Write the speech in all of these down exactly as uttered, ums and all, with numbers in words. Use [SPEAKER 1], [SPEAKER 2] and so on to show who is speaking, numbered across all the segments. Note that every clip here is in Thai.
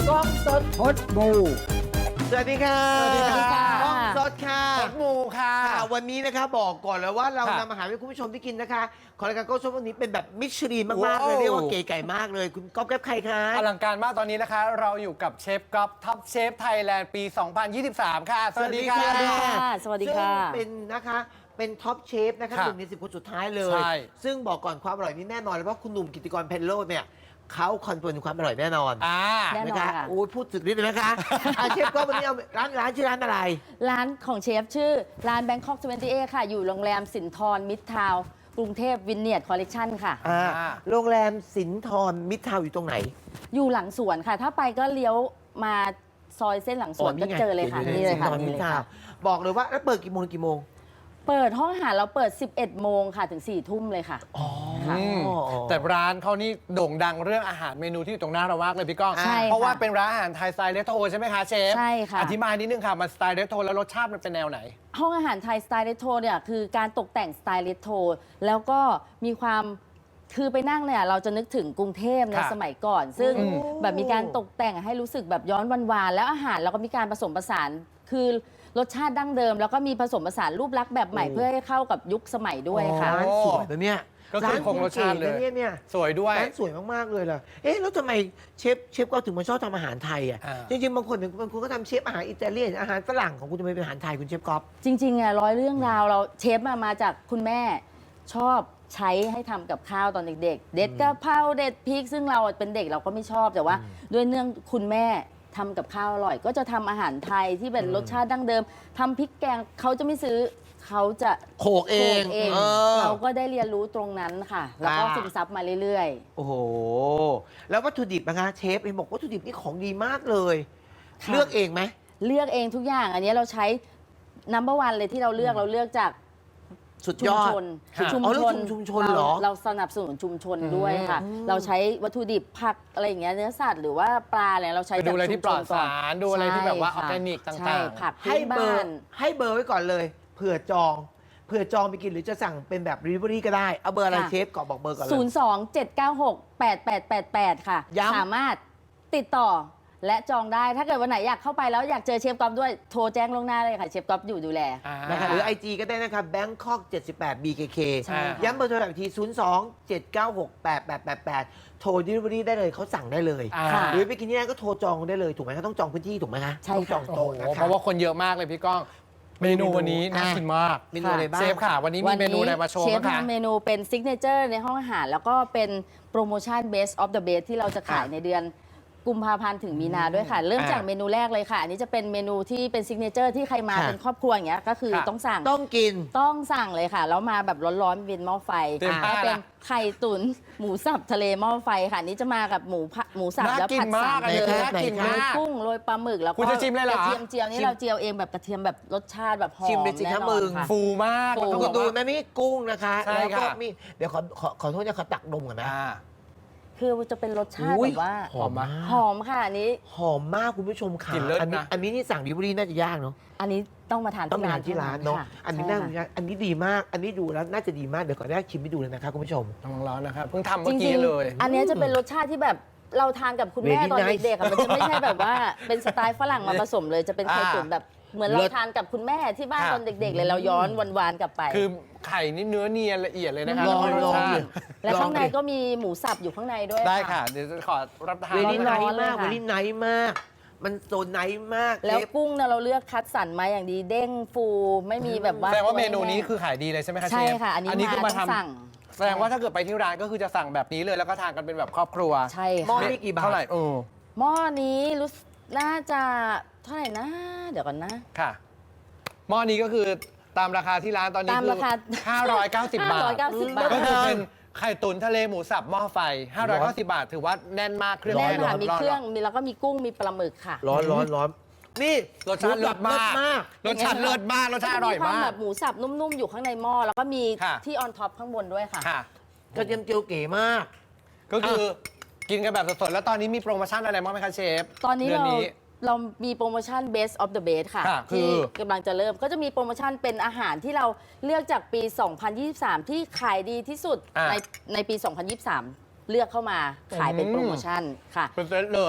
[SPEAKER 1] กล้องสด
[SPEAKER 2] พดบู
[SPEAKER 1] สวัสดีค่ะ
[SPEAKER 3] สวัสดีค่ะ
[SPEAKER 1] กล้องสดค่ะ
[SPEAKER 3] พดมูค่ะ
[SPEAKER 1] ค่ะวันนี้นะคะบอกก่อนเลยว่าเรา
[SPEAKER 3] ค่ะ
[SPEAKER 1] นำอาหารให้คุณผู้ชมที่กินนะคะของรายการกล้องสดวันนี้เป็นแบบมิชลินมากๆ
[SPEAKER 3] ว้าว
[SPEAKER 1] เลยเรียกว่าเก๋ไก่มากเลย คุณก๊อฟแก๊บใครคะ
[SPEAKER 3] อลังการมากตอนนี้นะคะ เราอยู่กับเชฟก๊อฟท็อปเชฟไทยแลนด์ปี สองพันยี่สิบสาม ค่ะ สวัสดีค่ะ
[SPEAKER 1] สวัสดีค่ะ
[SPEAKER 4] สวัสดีค่ะ
[SPEAKER 1] ซึ่งเป็นนะคะเป็นท็อปเชฟนะคะ
[SPEAKER 3] ค่ะ
[SPEAKER 1] หนึ่งในสิบคนสุดท้ายเลย
[SPEAKER 3] ใช่
[SPEAKER 1] ซึ่งบอกก่อนความอร่อยนี่แน่นอนเลยเพราะคุณหนุ่มกิติกรเพนโลเนี่ยเขาคอนเฟิร์มความอร่อยแน่นอน
[SPEAKER 3] อ่า
[SPEAKER 4] แน่นอน
[SPEAKER 1] นะคะ
[SPEAKER 4] ค่ะ
[SPEAKER 1] โอ้ยพูดสุดฤทธิ์เลยนะคะอ่ะเชฟก็วันนี้เอาร้านร้านชื่อร้านอะไร
[SPEAKER 4] ร้านของเชฟชื่อ ร้าน Bangkok ยี่สิบเอ็ด ค่ะ อยู่โรงแรมสินทรมิตรทาวน์กรุงเทพวินเนียร์ดคอลเลกชันค่ะ
[SPEAKER 1] อ่า
[SPEAKER 3] อ่า
[SPEAKER 1] โรงแรมสินทรมิตรทาวน์อยู่ตรงไหน
[SPEAKER 4] อยู่หลังสวนค่ะ ถ้าไปก็เลี้ยวมาซอยเส้นหลังสวนก็เจอเลยค่ะ นี่เลยค่ะ
[SPEAKER 1] สินทร
[SPEAKER 4] นี่
[SPEAKER 1] มิต
[SPEAKER 4] เล
[SPEAKER 1] ร
[SPEAKER 4] ย
[SPEAKER 1] ทาว
[SPEAKER 4] ค่ะ
[SPEAKER 1] น์บอกเลยว่าแล้วเปิดกี่โมงถึงกี่โมง
[SPEAKER 4] เปิดห้องอาหารเราเปิด สิบเอ็ด โมงค่ะ ถึง สี่ ทุ่มเลยค่ะ
[SPEAKER 1] อ๋อ
[SPEAKER 3] อืมแต่ร้านเขานี่โด่งดังเรื่องอาหารเมนูที่อยู่ตรงหน้าเรามากเลยพี่ก้อง
[SPEAKER 4] ใช่ค่ะ
[SPEAKER 3] เพราะว่าเป็นร้านอาหารไทยสไตล์เรโทรใช่ไหมคะเชฟ
[SPEAKER 4] ใช่ค่ะ
[SPEAKER 3] อธิบายนิดนึงค่ะมันสไตล์เรโทรแล้วรสชาติมันเป็นแนวไหน
[SPEAKER 4] ห้องอาหารไทยสไตล์เรโทรเนี่ยคือการตกแต่งสไตล์เรโทรแล้วก็มีความคือไปนั่งเนี่ยเราจะนึกถึงกรุงเทพใน
[SPEAKER 3] ค่ะ
[SPEAKER 4] สมัยก่อน ซึ่ง
[SPEAKER 3] อืม
[SPEAKER 4] แบบมีการตกแต่งให้รู้สึกแบบย้อนวานๆแล้วอาหารเราก็มีการผสมผสานคือรสชาติดั้งเดิม แล้วก็มีผสมผสานรูปลักษณ์แบบใหม่เพื่อให้เข้ากับยุคสมัยด้วยค่ะ
[SPEAKER 1] ร้านสวยนะเนี่ย
[SPEAKER 3] ก็คือคงรสชาติเลย
[SPEAKER 1] นเนี่ยเนี่ย
[SPEAKER 3] สวยด้วย
[SPEAKER 1] ร้านสวยมากๆเลยล่ะเอ๊ะแล้วทำไมเชฟเชฟก็ถึงมาชอบทำอาหารไทยอ่ะ
[SPEAKER 3] อ่า
[SPEAKER 1] จริงๆบางคนบางคนก็ทำเชฟอาหารอิตาเลียนอาหารฝรั่งของคุณทำไมเป็นอาหารไทยคุณเชฟก๊อฟ
[SPEAKER 4] จริงๆอ่ะร้อยเรื่องราวเราเชฟมามาจากคุณแม่ชอบใช้ให้ทำกับข้าวตอนเด็กๆ เด็ดกะเพราเด็ดพริก ซึ่งเราเป็นเด็กเราก็ไม่ชอบแต่ว่า ด้วยเนื่องคุณแม่ทำกับข้าวอร่อย ก็จะทำอาหารไทยที่เป็นรสชาติดั้งเดิมทำพริกแกงเขาจะไม่ซื้อเขาจะ
[SPEAKER 1] โขกเอง
[SPEAKER 4] โขลกเอง
[SPEAKER 1] เออ
[SPEAKER 4] เราก็ได้เรียนรู้ตรงนั้นค่ะ แล้วก็
[SPEAKER 1] อ่า
[SPEAKER 4] ซึมซับมาเรื่อย
[SPEAKER 1] โอ้โห แล้ววัตถุดิบนะคะเชฟเห็นบอกวัตถุดิบนี่ของดีมากเลย
[SPEAKER 4] ค่ะ
[SPEAKER 1] เลือกเองไหม
[SPEAKER 4] ๆ เลือกเองทุกอย่าง อันนี้เราใช้นัมเบอร์วันเลยที่เราเลือกเราเลือกจาก
[SPEAKER 1] สุด
[SPEAKER 4] ชุ
[SPEAKER 1] ย
[SPEAKER 4] ม
[SPEAKER 1] อด
[SPEAKER 4] ชน
[SPEAKER 3] ค่ะ
[SPEAKER 4] ชุม
[SPEAKER 1] อ๋อเรื่
[SPEAKER 4] ช
[SPEAKER 1] อง
[SPEAKER 4] น
[SPEAKER 1] ชุมชนเหรอ
[SPEAKER 4] าเราสนับสนุนชุมชนด้วยค่ะ
[SPEAKER 1] อืม
[SPEAKER 4] เราใช้วัตถุดิบผักอะไรอย่างเงี้ยเนื้อสัตว์หรือว่าปลาอะไรเราใช้
[SPEAKER 3] ไปดูอะไร
[SPEAKER 4] จาก
[SPEAKER 3] ที่ปลอด
[SPEAKER 4] ชุมชนก่น
[SPEAKER 3] สารดูอะไรที่แบบว่าออร์แกนิก
[SPEAKER 4] ใช่
[SPEAKER 3] ต่าง
[SPEAKER 4] ค่ะ
[SPEAKER 3] ๆ
[SPEAKER 4] ใช่ผัก
[SPEAKER 1] ให้
[SPEAKER 4] พื้น
[SPEAKER 1] เบอ
[SPEAKER 4] บ้า
[SPEAKER 1] ร์
[SPEAKER 4] น
[SPEAKER 1] ให้เบอร์ไว้ก่อนเลยเผื่อจองเผื่อจองไปกินหรือจะสั่งเป็นแบบ delivery ก็ได้ เอาเบอร์อะไร
[SPEAKER 4] ค่ะ
[SPEAKER 1] เชฟก่อนบอกเบอร์ก่อนเลย
[SPEAKER 4] ศูนย์ สอง เจ็ด เก้า หก แปด แปด แปด แปด ค่ะ
[SPEAKER 1] ย้ำ
[SPEAKER 4] สามารถติดต่อและจองได้ ถ้าเกิดวันไหนอยากเข้าไปแล้วอยากเจอเชฟก๊อฟด้วยโทรแจ้งล่วงหน้าเลยค่ะเชฟก๊อฟอยู่ดูแล
[SPEAKER 3] อ่า
[SPEAKER 1] นะคะหรือ ไอ จี ก็ได้นะครับ Bangkok เจ็ดสิบแปด บี เค เค
[SPEAKER 4] ใช่ค่ะ
[SPEAKER 1] ย้ำเบอร์โทรศัพท์อีกที ศูนย์ สอง เจ็ด เก้า หก แปด แปด แปด แปด โทร delivery ได้เลยเขาสั่งได้เลย
[SPEAKER 3] อ่า
[SPEAKER 4] ค่ะ
[SPEAKER 1] หรือไปกินที่นั่นก็โทรจองได้เลยถูกไหมเขาต้องจองพื้นที่ถูกไหมคะ
[SPEAKER 4] ใช่
[SPEAKER 1] ต้องจ
[SPEAKER 4] ค่ะ
[SPEAKER 1] อง
[SPEAKER 3] โอ้โห
[SPEAKER 1] โต๊ะนะคะ
[SPEAKER 3] เพราะว่าคนเยอะมากเลยพี่ก้อง เมนูวันนี้น่ากินมาก
[SPEAKER 1] เมนูอะไรบ้าง
[SPEAKER 3] เชฟค่ะ วันนี้มีเมนูอะไรมาโชว์
[SPEAKER 4] เชฟ
[SPEAKER 3] บ้างคะ
[SPEAKER 4] ทำเมนูเป็นซิกเนเจอร์ในห้องอาหาร แล้วก็เป็นโปรโมชั่น Best of the Best ที่เราจะขาย
[SPEAKER 1] ค่ะ
[SPEAKER 4] ในเดือนกุมภาพันธ์ถึงมีนาด้วยค่ะ เริ่ม
[SPEAKER 3] อ่า
[SPEAKER 4] จากเมนูแรกเลยค่ะ อันนี้จะเป็นเมนูที่เป็นซิกเนเจอร์ที่ใครมา
[SPEAKER 1] ค่ะ
[SPEAKER 4] เป็นครอบครัวอย่างเงี้ยก็คือ
[SPEAKER 3] ค่ะ
[SPEAKER 4] ต้องสั่ง
[SPEAKER 1] ต้องกิน
[SPEAKER 4] ต้องสั่งเลยค่ะ แล้วมาแบบร้อนๆเป็นหม้อไฟ
[SPEAKER 3] เตรียม
[SPEAKER 4] ก็
[SPEAKER 3] ผ้า
[SPEAKER 4] เป็น
[SPEAKER 3] ละ
[SPEAKER 4] ไข่ตุ๋นหมูสับทะเลหม้อไฟค่ะอันนี้จะมากับหมูผัดหมูสับ
[SPEAKER 3] น่า
[SPEAKER 4] แล้ว
[SPEAKER 3] กิน
[SPEAKER 4] ผัด
[SPEAKER 3] มา
[SPEAKER 4] สาก ม
[SPEAKER 3] อันนี้
[SPEAKER 4] เลย
[SPEAKER 3] น่ากิน
[SPEAKER 4] โร
[SPEAKER 3] มาย ก
[SPEAKER 4] กุ้งโรยปลาหมึกแล้วก็
[SPEAKER 3] คุณจะชิมเลยเหรอ
[SPEAKER 4] กระเทียมเจียวนี่
[SPEAKER 1] ชิม
[SPEAKER 4] เราเจียวเองแบบกระเทียมแบบรสชาติแบบหอม
[SPEAKER 1] ชิมเลยสิคะ
[SPEAKER 4] แน่นอ
[SPEAKER 1] มึ
[SPEAKER 4] น
[SPEAKER 1] ง
[SPEAKER 4] ค่ะ
[SPEAKER 3] ฟูมาก
[SPEAKER 4] ฟู
[SPEAKER 3] แล้ว
[SPEAKER 1] คุ
[SPEAKER 3] ก็
[SPEAKER 1] ณ
[SPEAKER 3] แบบ
[SPEAKER 1] ดู
[SPEAKER 3] ว่า
[SPEAKER 1] นะนี่กุ้งนะคะ
[SPEAKER 3] ใช่
[SPEAKER 1] แล้วก็
[SPEAKER 3] ค่ะ
[SPEAKER 1] มีเดี๋ยวขอขอขอโทษนะขอตักนมก่อนนะ
[SPEAKER 3] อ่า
[SPEAKER 4] คือจะเป็นรสชาติ
[SPEAKER 1] อุ๊ย
[SPEAKER 4] แบบว่า
[SPEAKER 1] หอมมาก
[SPEAKER 4] หอมค่ะอันนี้
[SPEAKER 1] หอมมากคุณผู้ชมค่ะ
[SPEAKER 3] กลิ่นเลิศ
[SPEAKER 1] อันี้
[SPEAKER 3] นะ
[SPEAKER 1] อันนี้นี่สั่งดิบรีน่าจะยากเนาะ
[SPEAKER 4] อันนี้ต้องมาทาน
[SPEAKER 1] ต้องไปทานที่ร้านเนาะ
[SPEAKER 4] ค่
[SPEAKER 1] อันนี้
[SPEAKER 4] ใช่
[SPEAKER 1] น่า
[SPEAKER 4] ค่ะ
[SPEAKER 1] อันนี้ดีมาก อันนี้ดูแล้วน่าจะดีมากเดี๋ยวขออนุญาตชิมให้ดูเลยนะครับคุณผู้ชม
[SPEAKER 3] ระวังร้อนนะครับ เพิ่งทำ
[SPEAKER 4] จ
[SPEAKER 3] เมื่อ
[SPEAKER 4] ริ
[SPEAKER 3] กี้
[SPEAKER 4] ง
[SPEAKER 3] เลย
[SPEAKER 4] ๆอันนี้จะเป็นรสชาติที่แบบเราทานกับคุณแม่
[SPEAKER 1] Very
[SPEAKER 4] ตอน
[SPEAKER 1] nice
[SPEAKER 4] เด็กๆอะมันจะไม่ใช่แบบว่าเป็นสไตล์ฝรั่งมาผสมเลยจะเป็นไข่
[SPEAKER 3] อ่า
[SPEAKER 4] ตุ๋นแบบเหมือนเรา
[SPEAKER 1] เลิศ
[SPEAKER 4] ทานกับคุณแม่ที่บ้าน
[SPEAKER 3] ค่ะ
[SPEAKER 4] ตอนเด็ก ๆ เลยเราย้อนวานๆกลับไป
[SPEAKER 3] คือไข่นี่เนื้อเนียนละเอียดเลยนะคะ
[SPEAKER 1] ลอง
[SPEAKER 3] แล้วก็ร
[SPEAKER 1] ล
[SPEAKER 3] ส
[SPEAKER 1] อง
[SPEAKER 3] ชา
[SPEAKER 1] ดิ
[SPEAKER 3] ติ
[SPEAKER 4] และข้างใน
[SPEAKER 1] ลอดิ
[SPEAKER 4] ก็มีหมูสับอยู่ข้างในด้วย
[SPEAKER 3] ได้ค่ะ เดี๋ยวจะขอรับประทาน
[SPEAKER 1] เวลี่ไน
[SPEAKER 4] ร้อน
[SPEAKER 1] ท์
[SPEAKER 4] ๆเลย
[SPEAKER 1] มาก
[SPEAKER 4] ค่ะ
[SPEAKER 1] เวลี่ไนท์มาก มันโซนไนท์มาก
[SPEAKER 4] แล้ว
[SPEAKER 1] เชฟ
[SPEAKER 4] กุ้งเนี่ยเราเลือกคัดสรรมาอย่างดีเด้งฟูไม่มีแบบว่า
[SPEAKER 3] แสดงว่าเมนูนี้
[SPEAKER 4] ตัว
[SPEAKER 3] คือขายดีเลยใช่ไหมคะเชฟ
[SPEAKER 4] ใช่ค่ะ อันนี้
[SPEAKER 3] นี้คือ
[SPEAKER 4] มา
[SPEAKER 3] มา
[SPEAKER 4] ต้อง
[SPEAKER 3] ท
[SPEAKER 4] สั่ง
[SPEAKER 3] ำแสดงว่าถ้าเกิดไปที่ร้านก็คือจะสั่งแบบนี้เลยแล้วก็ทานกันเป็นแบบครอบครัว
[SPEAKER 4] ใช่
[SPEAKER 1] หม้อ
[SPEAKER 4] ค่ะ
[SPEAKER 1] นี่กี่บาท
[SPEAKER 3] เท่าไหร่เออ
[SPEAKER 4] หม้อนี้รู้สึกน่าจะเท่าไหร่นะ เดี๋ยวก่อนนะ
[SPEAKER 3] ค่ะ หม้อนี้ก็คือตามราคาที่ร้านตอนนี้
[SPEAKER 4] ตาม
[SPEAKER 3] คือ
[SPEAKER 4] ราคา
[SPEAKER 3] ห้าร้อยเก้าสิบบาท
[SPEAKER 4] ห้าร้อยเก้าสิบบาท
[SPEAKER 3] ก็คือเป็นไข่ตุ๋นทะเลหมูสับหม้อไฟ ห้าร้อยเก้าสิบบาท ถือว่าแน่นมากเครื่อง
[SPEAKER 4] แน่น
[SPEAKER 3] ร้
[SPEAKER 4] ค่ะ
[SPEAKER 3] อน
[SPEAKER 4] มี
[SPEAKER 3] ร้อน
[SPEAKER 4] เครื่องมีแล้วก็มีกุ้งมีปลาหมึกค่ะ
[SPEAKER 1] ร้อนร้อนร้อนนี่
[SPEAKER 3] รสชาติเลิศมาก
[SPEAKER 1] มาก
[SPEAKER 3] รสชาติเลิศมากรสชาติอร่อย
[SPEAKER 4] คว
[SPEAKER 3] มาก
[SPEAKER 4] แบบหมูสับนุ่มๆอยู่ข้างในหม้อแล้วก็มี
[SPEAKER 3] ค่ะ
[SPEAKER 4] ที่ออนท็อปข้างบนด้วยค่ะ
[SPEAKER 3] ค่ะ
[SPEAKER 1] กระเทียมเจียวเก๋มาก
[SPEAKER 3] ก็คือกินกันแบบสดๆ แล้วตอนนี้มีโปรโมชั่นอะไรบ้างไหมคะเชฟ
[SPEAKER 4] ตอนนี้
[SPEAKER 3] ดื
[SPEAKER 4] เรา
[SPEAKER 3] นี้
[SPEAKER 4] เรามีโปรโมชั่น Best of the Best ค่ะ
[SPEAKER 3] ค่ะ
[SPEAKER 4] ที่
[SPEAKER 3] คือ
[SPEAKER 4] กำลังจะเริ่มก็จะมีโปรโมชั่นเป็นอาหารที่เราเลือกจากปี สองพันยี่สิบสาม ที่ขายดีที่สุด
[SPEAKER 3] อ่ะ
[SPEAKER 4] ในในปี สองพันยี่สิบสาม เลือกเข้ามาขายเป็นโปรโมชั่นค่ะ
[SPEAKER 3] เป็นเซตเลย
[SPEAKER 4] ร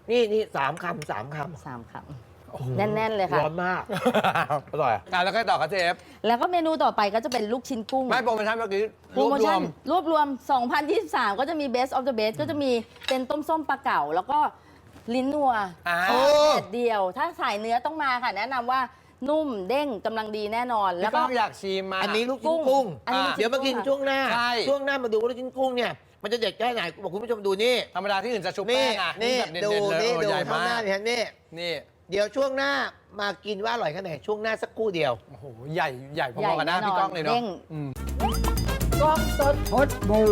[SPEAKER 1] นี่นี่สามคำสามค
[SPEAKER 4] สามค
[SPEAKER 1] ำ
[SPEAKER 4] ำแน่น ๆ เลยค่ะ
[SPEAKER 1] ร้อนมาก อร่อย
[SPEAKER 3] อ่ะแล้วก็ต่อครับเชฟ
[SPEAKER 4] แล้วก็เมนูต่อไปก็จะเป็นลูกชิ้นกุ้ง
[SPEAKER 3] ไม่โปรโมชั่นเมื่อกี้
[SPEAKER 4] โปรโม
[SPEAKER 3] ร
[SPEAKER 4] ชั่
[SPEAKER 3] วน ม
[SPEAKER 4] รวบรวม สองพันยี่สิบสาม ก็จะมี Best of the Best ก็จะมีเป็นต้มส้มปลาเก๋าแล้วก็ลิ้นนัว
[SPEAKER 3] อ่า
[SPEAKER 1] โอ้
[SPEAKER 4] แดดเดียว ถ้าสายเนื้อต้องมาค่ะ แนะนำว่านุ่มเด้งกำลังดีแน่นอน
[SPEAKER 3] แล้
[SPEAKER 4] แล้ว ว
[SPEAKER 3] ก็
[SPEAKER 4] ก็
[SPEAKER 3] อยากชิมมา
[SPEAKER 1] อันนี้ลูกชิ้นกุ้ง
[SPEAKER 4] อันนี้ลูกชิ้น
[SPEAKER 1] เดี๋ยวมากิน
[SPEAKER 4] กุ้งค่ะ
[SPEAKER 1] ช่วงหน้า
[SPEAKER 3] ใช่
[SPEAKER 1] ช่วงหน้ามาดูว่าลูกชิ้นกุ้งเนี่ย มันจะเด็ดแค่ไหนบอกคุณผู้ชมดูนี่
[SPEAKER 3] ธรรมดาที่อื่นจะชุบ
[SPEAKER 1] นี่
[SPEAKER 3] แป้งอ่ะ
[SPEAKER 1] นี่
[SPEAKER 3] แบบเด่
[SPEAKER 1] ดู
[SPEAKER 3] นๆเลย
[SPEAKER 1] นี่
[SPEAKER 3] โอ้
[SPEAKER 1] ดู
[SPEAKER 3] ใหญ่
[SPEAKER 1] ข้าง
[SPEAKER 3] มา
[SPEAKER 1] หน้าก เนี่ยนี่
[SPEAKER 3] นี่
[SPEAKER 1] เดี๋ยวช่วงหน้ามากินว่าอร่อยแค่ไหนช่วงหน้าสักครู่เดียว
[SPEAKER 3] โอ้โหใหญ่ใหญ่พ
[SPEAKER 4] ใหญ่
[SPEAKER 3] อๆกับหน้า
[SPEAKER 4] แน่นอน
[SPEAKER 3] พี่ก้องเลยเนาะ
[SPEAKER 4] เด้ง
[SPEAKER 3] อืม
[SPEAKER 1] กล้องสดพดบู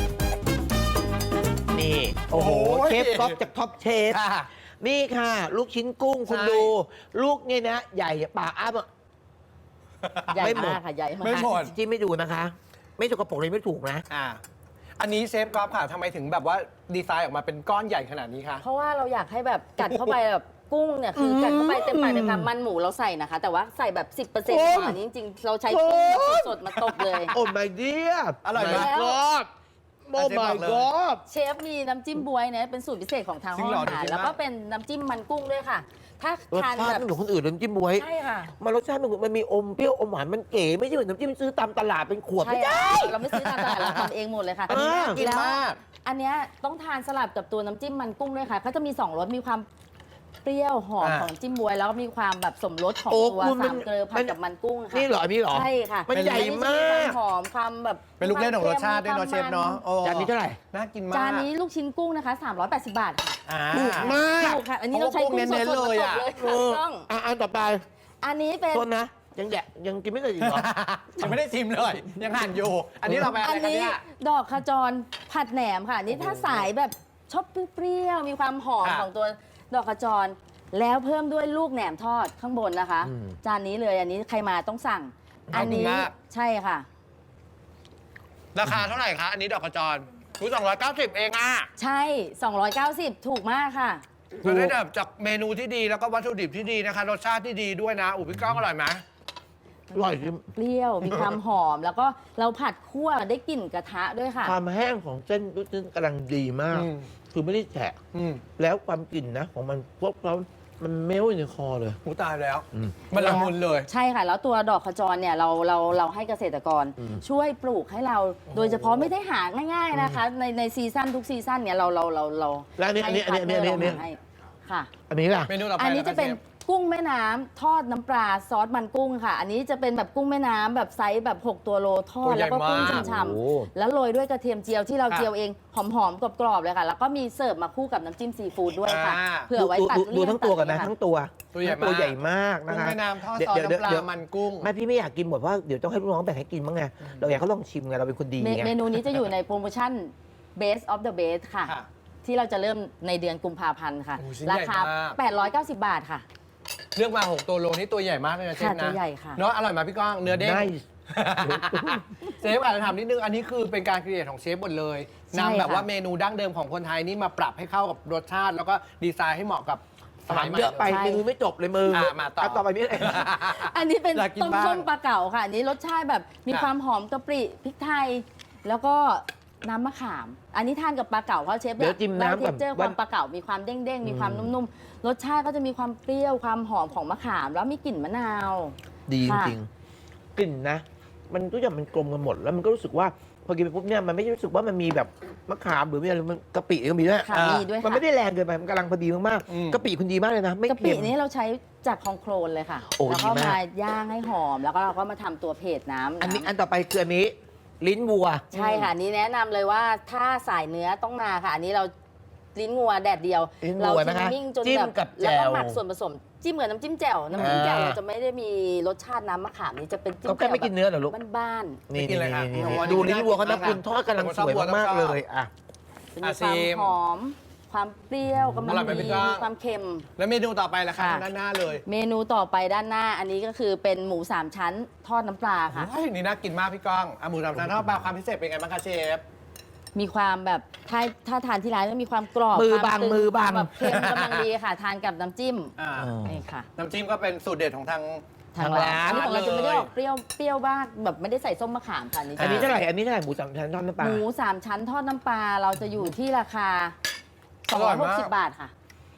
[SPEAKER 1] นี่ โอ้โห
[SPEAKER 3] โอ้ย
[SPEAKER 1] เชฟก๊อฟจากท็อปเชฟ
[SPEAKER 3] ค่ะ
[SPEAKER 1] นี่ค่ะ ลูกชิ้นกุ้งคุณ
[SPEAKER 3] ใช่
[SPEAKER 1] ดู ลูกเนี่ยนะ ใหญ่ปากอ้า
[SPEAKER 4] ใหญ่
[SPEAKER 1] ไม่หมด
[SPEAKER 4] มากค่ะใหญ่มาก
[SPEAKER 3] ไม่หมด
[SPEAKER 1] จิ้มไม่ดูนะคะ ไม่ถูกกระปุกเลยไม่ถูกนะ
[SPEAKER 3] อ่าอันนี้เชฟก๊อฟค่ะทำไมถึงแบบว่าดีไซน์ออกมาเป็นก้อนใหญ่ขนาดนี้คะ
[SPEAKER 4] เพราะว่าเราอยากให้แบบกัดเข้าไปแบบกุ้งเนี่ยคือกัดเข้าไปเต็มปากเต็มคำมันหมูเราใส่นะคะ แต่ว่าใส่แบบ สิบเปอร์เซ็นต์
[SPEAKER 1] โอ้ย
[SPEAKER 4] ของอันนี้จริงๆ เราใช้กุ้งแบบสดๆมาตบเลย
[SPEAKER 1] โอ้ my dear
[SPEAKER 3] อร่อยไหม
[SPEAKER 1] my god โอ้
[SPEAKER 3] อ่ะเชฟบ
[SPEAKER 1] my
[SPEAKER 3] อกเลย
[SPEAKER 1] god
[SPEAKER 4] เชฟมีน้ำจิ้มบวยเนี่ยเป็นสูตรพิเศษของทาง
[SPEAKER 3] จริ
[SPEAKER 4] ห้อง
[SPEAKER 3] งเหรอ
[SPEAKER 4] อาหาร
[SPEAKER 3] จริงมาก
[SPEAKER 4] แล้วก็เป็นน้ำจิ้มมันกุ้งด้วยค่ะ ถ้าร
[SPEAKER 1] ส
[SPEAKER 4] ทาน
[SPEAKER 1] ชา
[SPEAKER 4] แบ
[SPEAKER 1] ติ
[SPEAKER 4] บ
[SPEAKER 1] ไม่เหมือนคนอื่นเลยน้ำจิ้มบวย
[SPEAKER 4] ใช่ค่ะ
[SPEAKER 1] มันรสชาติมันมันมีอมเปรี้ยวอมหวานมันเก๋ไม่ใช่เหมือนน้ำจิ้มที่ซื้อตามตลาดเป็นขวด
[SPEAKER 4] ใช่
[SPEAKER 1] ไม่ได้
[SPEAKER 4] ค่ะเราไม่ซื้อตามตลาดเราทำเองหมดเลยค่ะ
[SPEAKER 1] อันนี้น่ากิน
[SPEAKER 4] แล้ว
[SPEAKER 3] มาก
[SPEAKER 4] อันเนี้ยต้องทานสลับกับตัวน้ำจิ้มมันกุ้งด้วยค่ะเขาจะมีสองรสมีความเปรี้ยวหอม
[SPEAKER 3] อ่า
[SPEAKER 4] ของน้ำจิ้มบวย แล้วก็มีความแบบสมรสของ
[SPEAKER 1] โอ้
[SPEAKER 4] ตัว
[SPEAKER 1] คุณมัน
[SPEAKER 4] สามเกลือผั
[SPEAKER 1] มั
[SPEAKER 4] ด
[SPEAKER 1] น
[SPEAKER 4] กับมันกุ้งค่ะ
[SPEAKER 1] นี่เหรออันนี้เหรอ
[SPEAKER 4] ใช่ค่ะ
[SPEAKER 1] มันใหญ่มาก
[SPEAKER 4] อันนี้จะความหอมความแบบ
[SPEAKER 3] เป็นลูกเล่นของรสชาติด้วยเนาะเชฟเนาะโอ้
[SPEAKER 1] จานนี้เท่าไหร่
[SPEAKER 3] น่ากินมาก
[SPEAKER 4] จานนี้ลูกชิ้นกุ้งนะคะ สามร้อยแปดสิบบาทค่ะ
[SPEAKER 3] อ่า
[SPEAKER 1] ถูกมาก
[SPEAKER 4] ถูกค่ะ อันนี้เราใช้กุ้งสดๆ
[SPEAKER 3] เน้นๆ
[SPEAKER 4] มา
[SPEAKER 3] เลย
[SPEAKER 4] ต
[SPEAKER 3] อะ
[SPEAKER 4] บเลย
[SPEAKER 1] เอ
[SPEAKER 4] ค่ะ
[SPEAKER 1] อ
[SPEAKER 4] ต้อง
[SPEAKER 1] อ่ะอันต่อไป
[SPEAKER 4] อันนี้เป็น
[SPEAKER 1] ต้นนะ ยังแดะยังกินไม่เคยอีกเหรอ
[SPEAKER 3] ยังไม่ได้ชิมเลย ยังหั่นอยู่ อันนี้เราไปอะ
[SPEAKER 4] อั
[SPEAKER 3] ไร
[SPEAKER 4] น
[SPEAKER 3] กัน
[SPEAKER 4] นี้
[SPEAKER 3] เนี่ย
[SPEAKER 4] ดอกขจรผัดแหนมค่ะอันนี่ถ้าสายแบบชอบเปรี้ยวๆมีความหอม
[SPEAKER 3] อ่ะ
[SPEAKER 4] ของตัวดอกขจร แล้วเพิ่มด้วยลูกแหนมทอดข้างบนนะคะ
[SPEAKER 1] อืม
[SPEAKER 4] จานนี้เลยอันนี้ใครมาต้องสั่ง อันนี้
[SPEAKER 3] ขอบคุณมาก
[SPEAKER 4] ใช่ค่ะ
[SPEAKER 3] ราคาเท่าไหร่คะ อันนี้ดอกกระจรรู้สองร้อยเก้าสิบเองอ่ะ
[SPEAKER 4] ใช่ สองร้อยเก้าสิบ ถูกมากค่ะ
[SPEAKER 3] จะได้แบบจากเมนูที่ดีแล้วก็วัตถุดิบที่ดีนะคะ รสชาติที่ดีด้วยนะ อุยพี่ก้องอร่อยไหม
[SPEAKER 1] อร่อยจริง
[SPEAKER 4] เปรี้ยว มีความหอม แล้วก็เราผัดคั่วได้กลิ่นกระทะด้วยค่ะ
[SPEAKER 1] ความแห้งของเส้นลูกชิ้นกำลังดีมาก
[SPEAKER 3] อืม
[SPEAKER 1] คือไม่ได้แฉะ
[SPEAKER 3] อืม
[SPEAKER 1] แล้วความกลิ่นนะ ของมันพวกเรามันเมลอยู่ในคอเลย
[SPEAKER 3] หูตายแล้ว
[SPEAKER 1] อืม
[SPEAKER 3] มันละมุนเลย
[SPEAKER 4] ใช่ค่ะ แล้วตัวดอกขจรเนี่ยเราเราเราให้เกษตรกร
[SPEAKER 1] อืม
[SPEAKER 4] ช่วยปลูกให้เรา โดยเฉพาะไม่ได้หาง่าย ๆนะคะ ในในซีซั่นทุกซีซั่นเนี่ยเราเราเราเรา
[SPEAKER 1] แล้วอันนี้อันนี้อันนี้อันนี้อันนี้อันนี้
[SPEAKER 4] ให้ค่ะ
[SPEAKER 1] อันนี้ล่ะ
[SPEAKER 3] เมนูต่อไป
[SPEAKER 4] อันนี้จะเป็น
[SPEAKER 3] คชฟ
[SPEAKER 4] กุ้งแม่น้ำทอดน้ำปลาซอสมันกุ้งค่ะ อันนี้จะเป็นแบบกุ้งแม่น้ำแบบไซส์แบบ หก ตัวโลทอ
[SPEAKER 3] ตั
[SPEAKER 4] ด
[SPEAKER 3] วใหญ่
[SPEAKER 4] แล้วก็กุ้ง
[SPEAKER 3] มาก
[SPEAKER 4] ฉ่
[SPEAKER 1] โอ้
[SPEAKER 4] ำๆแล้วโรยด้วยกระเทียมเจียวที่เรา
[SPEAKER 3] ค่ะ
[SPEAKER 4] เจียวเองหอมๆกรอบๆเลยค่ะ แล้วก็มีเสิร์ฟมาคู่กับน้ำจิ้มซีฟู้ดด้วยค่ะ
[SPEAKER 3] อ่า
[SPEAKER 4] เผื่อไว้
[SPEAKER 1] ดู
[SPEAKER 4] ตัด
[SPEAKER 1] ดู
[SPEAKER 4] เลี่ยง
[SPEAKER 1] ดูทั้งตัวกันนะ
[SPEAKER 4] ตัด
[SPEAKER 1] ทั้งตัว
[SPEAKER 3] ตัวใหญ่
[SPEAKER 1] ตัว
[SPEAKER 3] มาก
[SPEAKER 1] ใหญ่มาก
[SPEAKER 3] กุ้
[SPEAKER 1] นะ
[SPEAKER 3] ง
[SPEAKER 1] คะ
[SPEAKER 3] แม่น้ำทอดซอส
[SPEAKER 1] เดี๋ยว
[SPEAKER 3] น้ำปลา
[SPEAKER 1] เดี๋ยว
[SPEAKER 3] มันกุ้ง
[SPEAKER 1] ไม่พี่ไม่อยากกินหมดเพราะเดี๋ยวต้องให้ลูกน้องแบ่งให้กินบ้างไงเราอยากเขาลองชิมไงเราเป็นคนดี
[SPEAKER 4] เม
[SPEAKER 1] ไง
[SPEAKER 4] เมนูนี้จะอยู่ในโปรโมชั่น Best of the Best ค่ะ
[SPEAKER 3] ค่ะ
[SPEAKER 4] ที่เราจะเริ่มในเดือนกุมภาพันธ์ค่ะ
[SPEAKER 3] โอ้ชิ้น
[SPEAKER 4] รา
[SPEAKER 3] ใหญ่
[SPEAKER 4] คา
[SPEAKER 3] มาก
[SPEAKER 4] แปดร้อยเก้าสิบบาทค่ะ
[SPEAKER 3] เลือกมาหกตัวโลนี่ตัวใหญ่มากเลยนะเชฟ
[SPEAKER 4] ค่ะ
[SPEAKER 3] นะ
[SPEAKER 4] ตัวใหญ่ค่ะ
[SPEAKER 3] เนาะอร่อยไหมพี่ก้องเนื้อเด้ง
[SPEAKER 1] ได้
[SPEAKER 3] เชฟอาจจะถามนิดนึง อันนี้คือเป็นการครีเอทของเชฟหมดเลย
[SPEAKER 4] ใช่
[SPEAKER 3] นำแบบ
[SPEAKER 4] ค่ะ
[SPEAKER 3] ว่าเมนูดั้งเดิมของคนไทยนี่มาปรับให้เข้ากับรสชาติ แล้วก็ดีไซน์ให้เหมาะกับสมั
[SPEAKER 1] ถาย ม
[SPEAKER 3] ใหม่
[SPEAKER 1] เยอะไป
[SPEAKER 4] ใช่
[SPEAKER 1] เมนูไม่จบเลยมือ
[SPEAKER 3] อ่ะมาต่อ
[SPEAKER 1] ต่อไปนี่อะไร
[SPEAKER 4] อันนี้เป็น
[SPEAKER 3] อยากกิน
[SPEAKER 4] ต้ม
[SPEAKER 3] บ้าง
[SPEAKER 4] ส้มปลาเก๋าค่ะ อันนี้รสชาติแบบมี
[SPEAKER 3] ค่ะ
[SPEAKER 4] ความหอมกะปิพริกไทย แล้วก็น้ำมะขาม อันนี้ทานกับปลาเก๋าเพราะเชฟ
[SPEAKER 1] เดี๋ยวจิ้มน้ำก่อน
[SPEAKER 4] เจอความปลาเก๋ามีความเด้งๆ มีความนุ่มๆ รสชาติก็จะมีความเปรี้ยวความหอมของมะขาม แล้วมีกลิ่นมะนาว
[SPEAKER 1] ดีจ
[SPEAKER 4] ค่ะ
[SPEAKER 1] ริงๆกลิ่นนะ มันทุกอย่างมันกลมกันหมด แล้วมันก็รู้สึกว่าพอกินไปปุ๊บเนี่ยมันไม่ได้รู้สึกว่ามันมีแบบมะขามหรือมีอะไรมันกะปิก็มีด้วย
[SPEAKER 4] ค่ะ
[SPEAKER 3] อ่ามี
[SPEAKER 4] มีด้วย
[SPEAKER 1] มัน
[SPEAKER 4] ค่ะ
[SPEAKER 1] ไม่ได้แรงเกินไปมันกำลังพอดีมาก
[SPEAKER 3] อืม
[SPEAKER 1] ๆกะปิคุณดีมากเลยนะ ไม่
[SPEAKER 4] กะปิ
[SPEAKER 1] เค็ม
[SPEAKER 4] นี้เราใช้จากคองโคลนเลยค่ะ
[SPEAKER 1] โอ้
[SPEAKER 4] แล้วก็
[SPEAKER 1] ดีมาม
[SPEAKER 4] าก ย่างให้หอม แล้วก็เราก็มาทำตัวเพจน้ำ
[SPEAKER 1] อันนี้
[SPEAKER 4] น้ำ
[SPEAKER 1] อันต่อไปคืออันนี้ลิ้นวัว
[SPEAKER 4] ใช่ค่ะอันนี้แนะนำเลยว่าถ้าสายเนื้อต้องมาค่ะ อันนี้เราลิ้นงัวแดดเดียว
[SPEAKER 1] ลิ้น
[SPEAKER 4] เรา
[SPEAKER 1] วัว
[SPEAKER 4] ทิ
[SPEAKER 1] นะคะ
[SPEAKER 4] มมิ่งจน
[SPEAKER 1] จิ้ม
[SPEAKER 4] แบบ
[SPEAKER 1] กับ
[SPEAKER 4] แล้ว
[SPEAKER 1] แจ่
[SPEAKER 4] ก็
[SPEAKER 1] ว
[SPEAKER 4] หมักส่วนผสมจิ้มกับน้ำจิ้มแจ่วน้ำจิ้มแจ่ว
[SPEAKER 1] อ่า
[SPEAKER 4] เราจะไม่ได้มีรสชาติน้ำมะขามนี้จะเป็นจิ้ม
[SPEAKER 1] เขาแค่
[SPEAKER 4] แจ่ว
[SPEAKER 1] ไม่กินเนื้อเหรอลูก
[SPEAKER 4] แบบบ้าน
[SPEAKER 1] นี่
[SPEAKER 3] ไม่กินเลยค่ะ
[SPEAKER 1] นี่
[SPEAKER 3] โอ้
[SPEAKER 1] นี่
[SPEAKER 3] โห
[SPEAKER 1] ดู
[SPEAKER 3] อันนี้
[SPEAKER 1] ลิ้นวัวเขา
[SPEAKER 3] น่า
[SPEAKER 1] นะ
[SPEAKER 3] กินมาก
[SPEAKER 1] คุณทอดกำลัง
[SPEAKER 3] ผม
[SPEAKER 1] ส
[SPEAKER 3] ชอบ
[SPEAKER 1] วย
[SPEAKER 3] วัว
[SPEAKER 1] มาก
[SPEAKER 3] ต้อง
[SPEAKER 1] ๆ
[SPEAKER 3] ชอบ
[SPEAKER 1] เลยอ่ะ
[SPEAKER 4] ๆจะมี
[SPEAKER 3] อ่ะ
[SPEAKER 4] ความ
[SPEAKER 3] ซีม
[SPEAKER 4] หอม ความเปรี้ยวกำลั
[SPEAKER 3] อง ร่อยไหม
[SPEAKER 4] ดี
[SPEAKER 3] พี่ก้อง
[SPEAKER 4] ความเค็ม
[SPEAKER 3] แล้วเมนูต่อไปล่ะคะ
[SPEAKER 4] ค่ะ
[SPEAKER 3] ด้านหน้าเลย
[SPEAKER 4] เมนูต่อไปด้านหน้า อันนี้ก็คือเป็นหมูสามชั้นทอดน้ำปลาค่ะ
[SPEAKER 3] โอ้ยนี่น่ากินมากพี่ก้องอ่ะหมูสามชั้นทอดปลาความพิเศษเป็นไงบ้างคะเชฟ
[SPEAKER 4] มีความแบบถ้าถ้าทานที่ร้านก็มีความกรอบ
[SPEAKER 1] มือ
[SPEAKER 4] คว
[SPEAKER 1] บาง
[SPEAKER 4] ตึ
[SPEAKER 1] มือ
[SPEAKER 4] คว
[SPEAKER 1] บาง
[SPEAKER 4] แบบเค็มกำลังดีค่ะ ทานกับน้ำจิ้ม
[SPEAKER 3] อ่า
[SPEAKER 4] นี่ค่ะ
[SPEAKER 3] น้ำจิ้มก็เป็นสูตรเด็ดของทาง
[SPEAKER 4] ทาง
[SPEAKER 1] ทาง
[SPEAKER 4] ร้า
[SPEAKER 1] ร้าน
[SPEAKER 4] นอันนี้ของเราจะไม่ได้
[SPEAKER 3] เลย
[SPEAKER 4] ออกเปรี้ยวเปรี้ยวบ้างแบบไม่ได้ใส่ส้มมะขามค่ะอันนี้
[SPEAKER 1] อันนี้
[SPEAKER 4] จะ
[SPEAKER 1] เท่าไหร่อันนี้เท่าไหร่หมูสามชั้นทอดน้ำปลา
[SPEAKER 4] หมูสามชั้นทอดน้ำปลาเราจะอยู่ที่ราคา
[SPEAKER 3] อร่อยมาก
[SPEAKER 4] สองร้อยหกสิบบาทค่ะ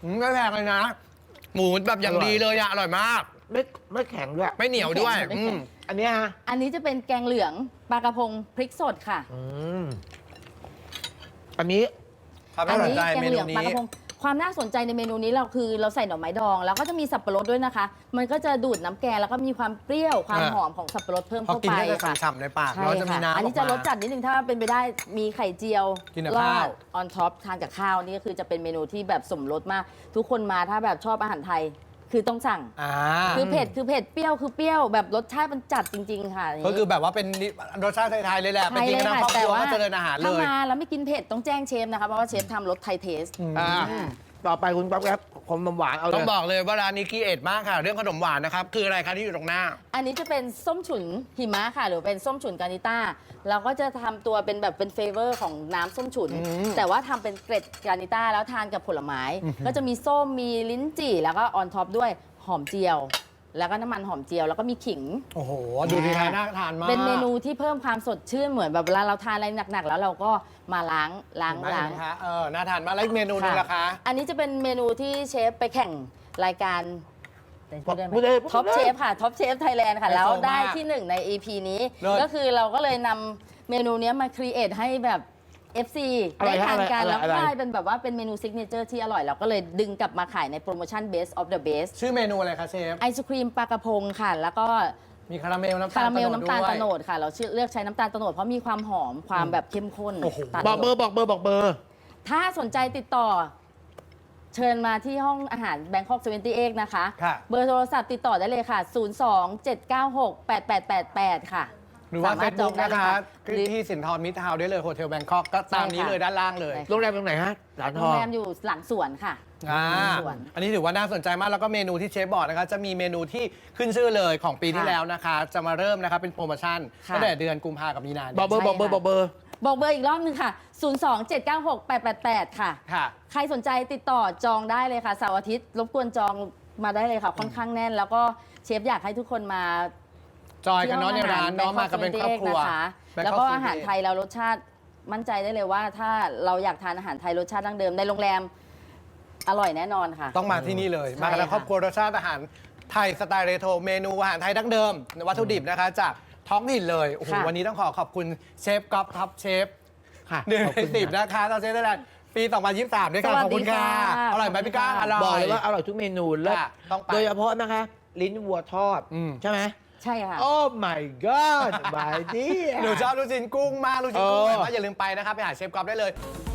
[SPEAKER 3] อืมไม่แพงเลยนะ หมูแบบอย่างดีเลยอะอร่อยมาก
[SPEAKER 1] ไม่ไม่แข็งด้วย
[SPEAKER 3] ไม่เหนียวด้วย
[SPEAKER 4] ไม่
[SPEAKER 3] อื
[SPEAKER 4] แข็
[SPEAKER 3] ม
[SPEAKER 4] ง
[SPEAKER 1] อันเนี้ยฮะ
[SPEAKER 4] อันนี้จะเป็นแกงเหลืองปลากระพงพริกสดค่ะ
[SPEAKER 1] อืมอันนี้
[SPEAKER 3] ครับ
[SPEAKER 4] อั
[SPEAKER 3] น่าสน
[SPEAKER 4] นี้
[SPEAKER 3] ใจ
[SPEAKER 4] แกง
[SPEAKER 3] เม
[SPEAKER 4] เหลื
[SPEAKER 3] นู
[SPEAKER 4] องปลา
[SPEAKER 3] นี้
[SPEAKER 4] กระพงความน่าสนใจในเมนูนี้เราคือเราใส่หน่อไม้ดอง แล้วก็จะมีสับปะรดด้วยนะคะ มันก็จะดูดน้ำแกงแล้วก็มีความเปรี้ยวความ
[SPEAKER 3] อ่า
[SPEAKER 4] หอมของสับปะรดเพิ่ม
[SPEAKER 3] พอ
[SPEAKER 4] เข้า
[SPEAKER 3] กิน
[SPEAKER 4] ไป
[SPEAKER 3] ก็จะ
[SPEAKER 4] ค่ะ
[SPEAKER 3] ฉ่ำๆในปาก
[SPEAKER 4] ใช่
[SPEAKER 3] แล้วจะมี
[SPEAKER 4] ค่ะ
[SPEAKER 3] น้ำ
[SPEAKER 4] อันนี้จะรสจัดนิดนึงถ้าเป็นไปได้มีไข่เจียว
[SPEAKER 3] กินกับ
[SPEAKER 4] รอ
[SPEAKER 3] ข้าว
[SPEAKER 4] ดออนท็อปทานกับข้าวนี่ก็คือจะเป็นเมนูที่แบบสมรสมาก ทุกคนมาถ้าแบบชอบอาหารไทยคือต้องสั่ง
[SPEAKER 3] อ่า
[SPEAKER 4] คือเผ็ดคือเผ็ดเปรี้ยวคือเปรี้ยวแบบรสชาติมันจัดจริง ๆ ค่ะย่างนี้
[SPEAKER 3] ก็คือแบบว่าเป็นรสชาติไทยๆเลยแหละ ไป
[SPEAKER 4] ไทย
[SPEAKER 3] กิน
[SPEAKER 4] เลย
[SPEAKER 3] กันทั้ง
[SPEAKER 4] ค่ะ
[SPEAKER 3] ครอบค
[SPEAKER 4] แต่
[SPEAKER 3] รัว
[SPEAKER 4] ว่า
[SPEAKER 3] ก็เจริญอาหารเล
[SPEAKER 4] ถ้าย มาแล้วไม่กินเผ็ดต้องแจ้งเชฟนะคะเพราะว่าเชฟทำรสไทยเทส
[SPEAKER 1] อ่าต่อไปคุณป๊อปครับขนมหวานเอาเล
[SPEAKER 3] ต้อง
[SPEAKER 1] ย
[SPEAKER 3] บอกเลยว่าร้านนี้คีเอทมากค่ะ เรื่องขนมหวานนะครับ คืออะไรคะที่อยู่ตรงหน้า
[SPEAKER 4] อันนี้จะเป็นส้มฉุนหิมะค่ะ หรือเป็นส้มฉุนกานิต้าเราก็จะทำตัวเป็นแบบเป็นเฟเวอร์ของน้ำส้มฉุน
[SPEAKER 3] อืม
[SPEAKER 4] แต่ว่าทำเป็นเกล็ดกานิต้าแล้วทานกับผลไม้ ก็จะมีส้มมีลิ้นจี่แล้วก็ออนท็อปด้วยหอมเจียว แล้วก็น้ำมันหอมเจียวแล้วก็มีขิง
[SPEAKER 3] โอ้โห ดูดีทานน่าทานมาก
[SPEAKER 4] เป็นเมนูที่เพิ่มความสดชื่นเหมือนแบบเวลาเราทานอะไรหนักๆแล้วเราก็มาล้างล้าง
[SPEAKER 3] เห็นไหม
[SPEAKER 4] ล้าง
[SPEAKER 3] เห็นไหมคะเออ น่าทานมากแล้วอีกเมนูหนึงล่ะคะ
[SPEAKER 4] อันนี้จะเป็นเมนูที่เชฟไปแข่งรายการพูดได้ไหม
[SPEAKER 1] พูดได้พูดได้
[SPEAKER 4] ท็อปเชฟค่ะท็อปเชฟไทยแลนด์ค่ะ
[SPEAKER 3] ไฮโซ
[SPEAKER 4] แล้วได้
[SPEAKER 3] มาก
[SPEAKER 4] ที่หนึ่งใน อี พี นี้
[SPEAKER 3] เลิศ
[SPEAKER 4] ก็คือเราก็เลยนำเมนูเนี้ยมาครีเอทให้แบบ เอฟ ซี
[SPEAKER 1] อะไร
[SPEAKER 4] ได้ทานกัน
[SPEAKER 1] อะไร
[SPEAKER 4] แล้ว
[SPEAKER 1] อะไร
[SPEAKER 4] ก็ได้เป็นแบบว่าเป็นเมนูซิกเนเจอร์ที่อร่อย เราก็เลยดึงกลับมาขายในโปรโมชั่น Best of the Best
[SPEAKER 3] ชื่อเมนูอะไรคะเชฟ
[SPEAKER 4] ไอศครีมปลากระพงค่ะ แล้วก็
[SPEAKER 3] มีคาราเมลน้ำตา
[SPEAKER 4] คา
[SPEAKER 3] ล
[SPEAKER 4] ราเมลน้ำตาล
[SPEAKER 3] ด้วย
[SPEAKER 4] โตโนดค่ะ เราเลือกใช้น้ำตาลโตโนดเพราะมีความหอมความแบบเข้มข้น
[SPEAKER 3] โอ้โห
[SPEAKER 4] ตาล
[SPEAKER 1] บอก
[SPEAKER 4] โต
[SPEAKER 1] เบอ
[SPEAKER 4] โนด
[SPEAKER 1] ร์บอกเบอร์บอกเบอร์
[SPEAKER 4] ถ้าสนใจติดต่อ เชิญมาที่ห้องอาหาร Bangkok เจ็ดสิบแปดนะคะ
[SPEAKER 3] ค่ะ
[SPEAKER 4] เบอร์โทรศัพท์ติดต่อได้เลยค่ะ ศูนย์ สอง เจ็ด เก้า หก แปด แปด แปด แปด ค่ะ
[SPEAKER 3] หรือว่า
[SPEAKER 4] ส
[SPEAKER 3] เฟ
[SPEAKER 4] มร
[SPEAKER 3] ซ
[SPEAKER 4] ถจ
[SPEAKER 3] บุ๊
[SPEAKER 4] อก งได้
[SPEAKER 3] นะ
[SPEAKER 4] เลย
[SPEAKER 3] คะ
[SPEAKER 4] หรือ
[SPEAKER 3] ที่สินทรมิตรทาวน์ได้เลยโฮเทลแบงคอกก็ตามนี้
[SPEAKER 4] ใช่ค่ะ
[SPEAKER 3] เลยด้านล่างเลย
[SPEAKER 4] ใช่
[SPEAKER 1] โรงแรมตรงไหนฮะหลานท
[SPEAKER 4] โร
[SPEAKER 1] อง ง
[SPEAKER 4] แรมอยู่หลังสวนค่ะ
[SPEAKER 3] อ่า
[SPEAKER 4] สวน
[SPEAKER 3] อันนี้ถือว่าน่าสนใจมากแล้วก็เมนูที่เชฟบอกนะคะจะมีเมนูที่ขึ้นชื่อเลยของปีที่
[SPEAKER 4] ค่ะ
[SPEAKER 3] แล้วนะคะ จะมาเริ่มนะคะเป็นโปรโมชั่น
[SPEAKER 4] ค่ะ
[SPEAKER 3] ตั้งแต่เดือนกุมภากับมีนา
[SPEAKER 1] บอกเบอร์
[SPEAKER 4] ใช่
[SPEAKER 1] บอกเบอร์
[SPEAKER 4] ค่ะ
[SPEAKER 1] บอกเบอร์
[SPEAKER 4] บอกเบอร์อีกรอบนึงค่ะ ศูนย์ สอง เจ็ด เก้า หก แปด แปด แปด ค่ะ
[SPEAKER 3] ค่ะ
[SPEAKER 4] ใครสนใจติดต่อจองได้เลยค่ะเสาร์อาทิตย์รบกวนจองมาได้เลยค่ะ ค่อนข้างแน่น แล้วก็เชฟอยากให้ทุกคนมา
[SPEAKER 3] จอยกันเนาะในร้านเนาะมากันเป็นครอบครัว
[SPEAKER 4] นะคะ
[SPEAKER 3] Bangkok
[SPEAKER 4] แล้วก็อาหาร
[SPEAKER 3] เจ็ดสิบเอ็ด
[SPEAKER 4] ไทยเรารสชาติมั่นใจได้เลยว่า ถ้าเราอยากทานอาหารไทยรสชาติดั้งเดิมในโรงแรมอร่อยแน่นอนค่ะ
[SPEAKER 3] ต้องมาที่นี่เลย
[SPEAKER 4] ใช่
[SPEAKER 3] มากันทั้ง
[SPEAKER 4] ค่ะ
[SPEAKER 3] ครอบครัวรสชาติอาหารไทยสไตล์เรโทรเมนูอาหารไทยดั้งเดิมวัตถุดิบนะคะจากท้องถิ่นเลยโอ้โห
[SPEAKER 4] ค่ะ
[SPEAKER 3] วันนี้ต้องขอขอบคุณเชฟก๊อฟท็อปเชฟ
[SPEAKER 1] ค่ะ
[SPEAKER 3] หนึ่ง
[SPEAKER 1] ขอบ
[SPEAKER 3] ใน
[SPEAKER 1] คุณ
[SPEAKER 3] สิบ
[SPEAKER 1] ค่ะ
[SPEAKER 3] นะคะตอนเชฟได้แลนด์ปีสองพันยี่สิบสามด้วยค่ะ
[SPEAKER 4] สวั
[SPEAKER 3] ข
[SPEAKER 4] ส
[SPEAKER 3] อบ
[SPEAKER 4] ดี
[SPEAKER 3] คุณค่ะ
[SPEAKER 4] ค่ะ
[SPEAKER 3] อร่อยไหมพี่ก้าง
[SPEAKER 4] ข
[SPEAKER 3] อ
[SPEAKER 4] อบคุณค่ะ
[SPEAKER 3] ร่อย
[SPEAKER 1] บอกเลยว่าอร่อยทุกเมนูแล้ว
[SPEAKER 3] ค่ะต้องไป
[SPEAKER 1] โดยเฉพาะนะคะ ลิ้นวัวทอด
[SPEAKER 3] อืม
[SPEAKER 1] ใช่ไหม
[SPEAKER 4] ใช่ค่ะ
[SPEAKER 1] โอ้ my god บายดี
[SPEAKER 3] หนูชอบลูกชิ้นกุ้งมากลูกชิ้นกุ้ง
[SPEAKER 1] เออ
[SPEAKER 3] แบบว่าอย่าลืมไปนะครับไปหาเชฟก๊อฟได้เลย